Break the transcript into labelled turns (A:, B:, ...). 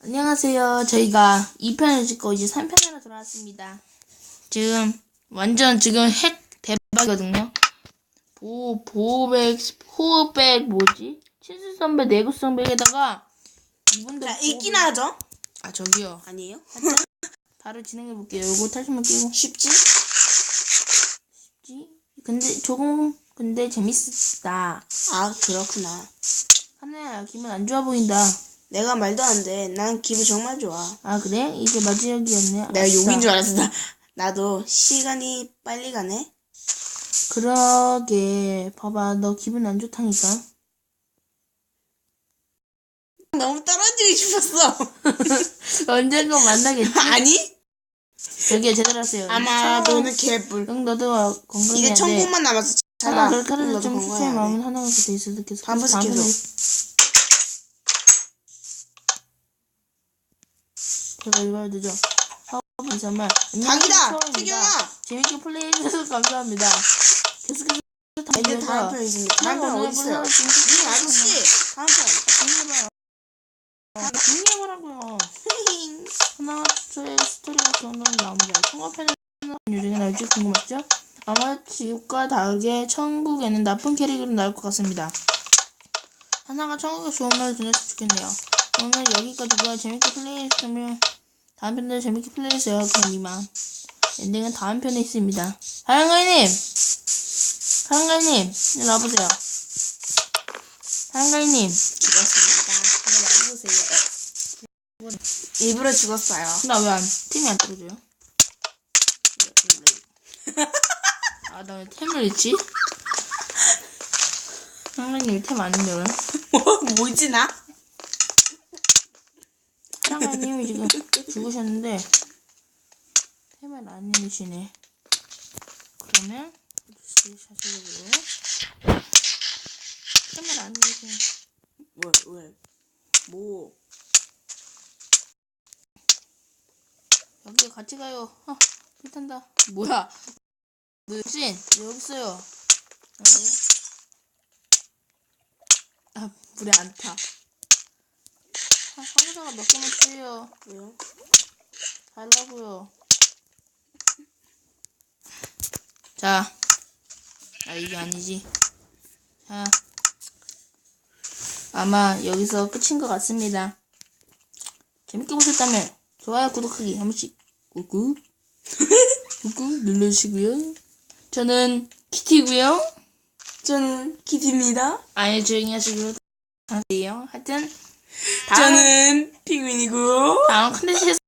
A: 안녕하세요. 저희가 2편을 찍고 이제 3편으로 돌아왔습니다. 지금 완전 지금 핵 대박이거든요. 호흡백 뭐지? 치즈선배 내구성백에다가 이분들
B: 자, 읽기나 하죠?
A: 아 저기요.
B: 아니에요?
A: 바로 진행해볼게요. 요거 탈출만 끼고
B: 쉽지?
A: 근데 재밌었다.
B: 아, 그렇구나.
A: 하나야 기분 안 좋아 보인다.
B: 내가 말도 안 돼. 난 기분 정말 좋아.
A: 아 그래? 이제 마지막이었네.
B: 내가
A: 아싸.
B: 욕인 줄 알았어. 나도 시간이 빨리 가네.
A: 그러게 봐봐 너 기분 안 좋다니까.
B: 너무 떨어지고 싶었어.
A: 언젠가 만나겠지?
B: 아니?
A: 저기요 제대로 하세요.
B: 아마 너는 개뿔.
A: 응 너도 건강해야
B: 이제
A: 돼.
B: 1000분만 남았어.
A: 하나
B: 찾아.
A: 그렇게 하는
B: 너도
A: 좀
B: 건강해야
A: 추천의
B: 돼.
A: 마음은 하나가 돼 있어도 계속
B: 반복해서 계속.
A: 제가 이걸 늦어. 정말
B: 자기다! 태경아!
A: 재밌게 플레이해주셔서 감사합니다. 계속해서
B: 이제 다음 편 있습니다. 다음 편 어디 있어요? 아저씨! 다음 편.
A: 중요하라고요. 하나 초의 스토리가 그런다면 나옵니다. 통화편에서 요정이 나올지 궁금하죠? 아마 지옥과 다르게 천국에는 나쁜 캐릭터로 나올 것 같습니다. 하나가 천국에 좋은 말을 전했으면 좋겠네요. 오늘 여기까지고요. 재밌게 플레이했으면 다음 편도 재밌게 플레이했어요. 그럼 이만. 엔딩은 다음 편에 있습니다. 사랑가이님! 일로 와보세요. 사랑가이님!
B: 죽었습니다. 한번 와보세요. 일부러 죽었어요.
A: 나 왜 팀이 안 떨어져요? 아, 나 왜 템을 잃지? 사랑가이님 템 아닌데 왜?
B: 뭐지 나?
A: 사랑가이님이 지금 죽으셨는데 템을 안 잃으시네. 그러면 샷으로 템을 안 잃으시네.
B: 왜? 뭐?
A: 여기 같이 가요. 불탄다. 뭐야? 신 여기 있어요. 아 물에 안 타. 상자가 몇 개만 주세요.
B: 왜요?
A: 달라고요. 자, 이게 아니지. 자, 아마 여기서 끝인 것 같습니다. 재밌게 보셨다면 좋아요, 구독하기 한 번씩 꾹꾹 눌러주시고요. 저는 키티고요.
B: 저는 키티입니다.
A: 아니 조용히 하시고요. 하세요. 하여튼
B: 저는 핑윈이고
A: 다음 컨텐츠에서